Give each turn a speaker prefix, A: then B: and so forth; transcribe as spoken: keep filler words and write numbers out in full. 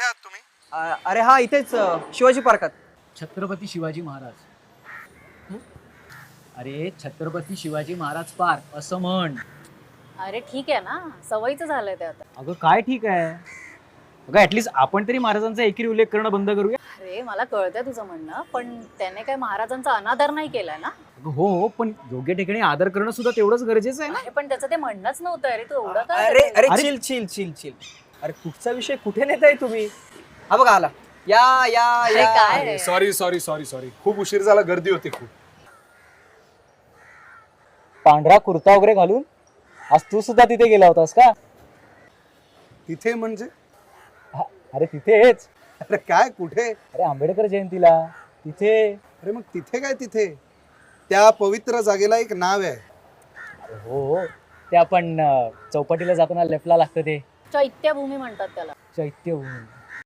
A: आहात तुम्ही?
B: अ, अरे हा इथेच अ, शिवाजी पार्कात.
C: छत्रपती शिवाजी महाराज. अरे छत्रपती शिवाजी महाराज पार्क असं म्हण.
D: अरे ठीक आहे ना, सवयीचं झालंय ते आता.
C: अगं काय ठीक आहे. अगं ऍटलीस्ट आपण तरी महाराजांचा एकेरी उल्लेख करणं बंद करूया.
D: अरे मला कळतंय तुझं म्हणणं, पण त्याने काय महाराजांचा अनादर नाही केलाय ना.
C: अगं हो हो, पण योग्य ठिकाणी आदर करणं सुद्धा तेवढंच गरजेचं आहे ना.
D: अरे पण त्याचं ते म्हणणंच नव्हतं. अरे तू एवढं काय
B: अरे
D: करतोय?
B: अरे
C: अरे-
B: चिल चिल चिल चिल. अरे कुठचा विषय कुठे नेताय तुम्ही? हा बघा आला. या या
D: अरे
B: या.
D: काय
A: सॉरी सॉरी सॉरी सॉरी खूप उशीर झाला, गर्दी होती खूप.
C: पांढरा कुर्ता वगैरे घालून आज तू सुद्धा तिथे गेला होतास का?
A: तिथे म्हणजे?
C: अरे तिथेच.
A: अरे काय कुठे?
C: अरे आंबेडकर जयंतीला तिथे.
A: अरे मग तिथे काय तिथे? त्या पवित्र जागेला एक नाव आहे.
C: अरे हो हो, ते आपण अं, चौपाटीला जाताना लेफ्टला लागतं ते
D: चैत्यभूमी म्हणतात त्याला.
C: चैत्यभूमी.